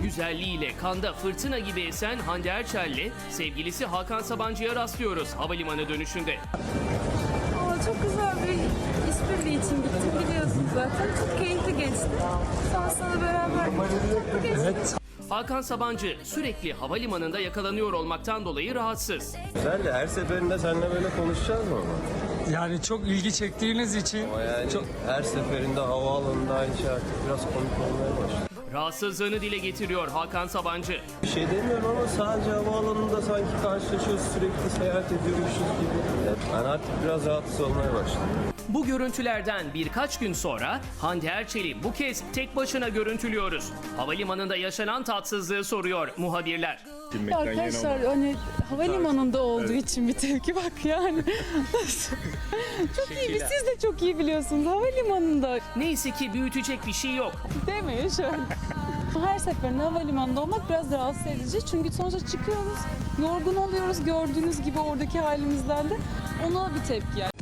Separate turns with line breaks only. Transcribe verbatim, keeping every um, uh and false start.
Güzelliğiyle kanda fırtına gibi esen Hande Erçel'le sevgilisi Hakan Sabancı'ya rastlıyoruz havalimanı dönüşünde.
Aa, çok güzel bir işbirliği için gittim, biliyorsunuz zaten. Çok keyifli geçti. Sonrasında beraber çok geçti.
Evet.
Hakan Sabancı sürekli havalimanında yakalanıyor olmaktan dolayı rahatsız.
Güzel de her seferinde seninle böyle konuşacağız mı ama?
Yani çok ilgi çektiğiniz için
Ama yani
çok
her seferinde havaalanında aynı şey artık biraz komik olmaya başladı.
Rahatsızlığını dile getiriyor Hakan Sabancı.
Bir şey demiyorum ama sadece havaalanında sanki karşılaşıyoruz, sürekli seyahat ediyormuşuz gibi. Ben artık biraz rahatsız olmaya başladım.
Bu görüntülerden birkaç gün sonra Hande Erçel'i bu kez tek başına görüntülüyoruz. Havalimanında yaşanan tatsızlığı soruyor muhabirler.
Arkadaşlar hani havalimanında olduğu için bir tepki bak yani. Çok iyi, biz siz de çok iyi biliyorsunuz havalimanında.
Neyse ki büyütecek bir şey yok.
Demeyin şöyle. Her seferinde havalimanında olmak biraz rahatsız edici. Çünkü sonuçta çıkıyoruz, yorgun oluyoruz gördüğünüz gibi oradaki halimizden de. Ona bir tepki yani.